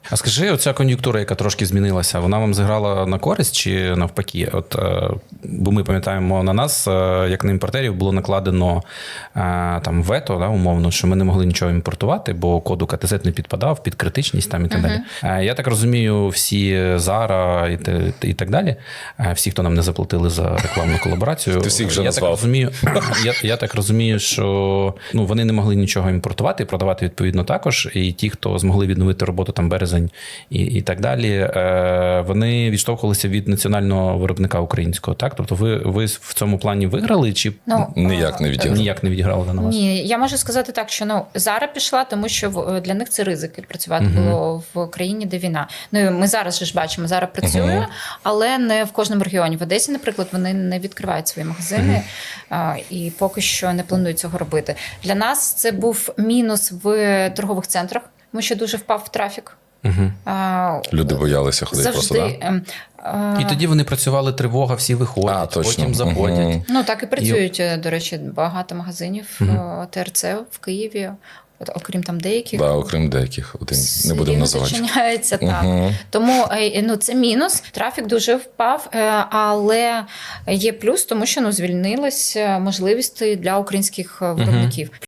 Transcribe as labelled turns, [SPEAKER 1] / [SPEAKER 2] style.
[SPEAKER 1] А скажи, оця кон'юнктура, яка трошки змінилася, вона вам зіграла на користь чи навпаки? От, бо ми пам'ятаємо, на нас, як на імпортерів, було накладено там вето, да, умовно, що ми не могли нічого імпортувати, бо код УКТЗ не підпадав під критичність там і так далі. Я так розумію, всі Zara і так далі, всі, хто нам не заплатили за рекламну колаборацію,
[SPEAKER 2] Ти всіх вже назвав.
[SPEAKER 1] Я так розумію, що вони не могли нічого імпортувати і продавати відповідно також. І ті, хто змогли відновити роботу там березень і так далі, вони відштовхувалися від національного виробника українського. Так? Тобто ви в цьому плані виграли чи
[SPEAKER 2] ніяк не
[SPEAKER 1] відіграли на вас?
[SPEAKER 3] Ні, я можу сказати так, що Zara пішла, тому що для них це ризики працювати було в країні, де війна. Ми зараз ж бачимо, Zara працює, але не в кожному регіоні. В Одесі, наприклад, вони не відкривають свої магазини і поки що не планують цього робити. Для нас це був мінус в торгових центрах, тому що дуже впав трафік.
[SPEAKER 2] Люди боялися ходити просто,
[SPEAKER 1] І тоді вони працювали, тривога, всі виходять, потім заходять.
[SPEAKER 3] Так і працюють, до речі, багато магазинів ТРЦ в Києві. Окрім там деяких.
[SPEAKER 2] Окрім деяких. Не будемо називати.
[SPEAKER 3] Зачиняється, так. Тому це мінус. Трафік дуже впав, але є плюс, тому що звільнилась можливість для українських виробників.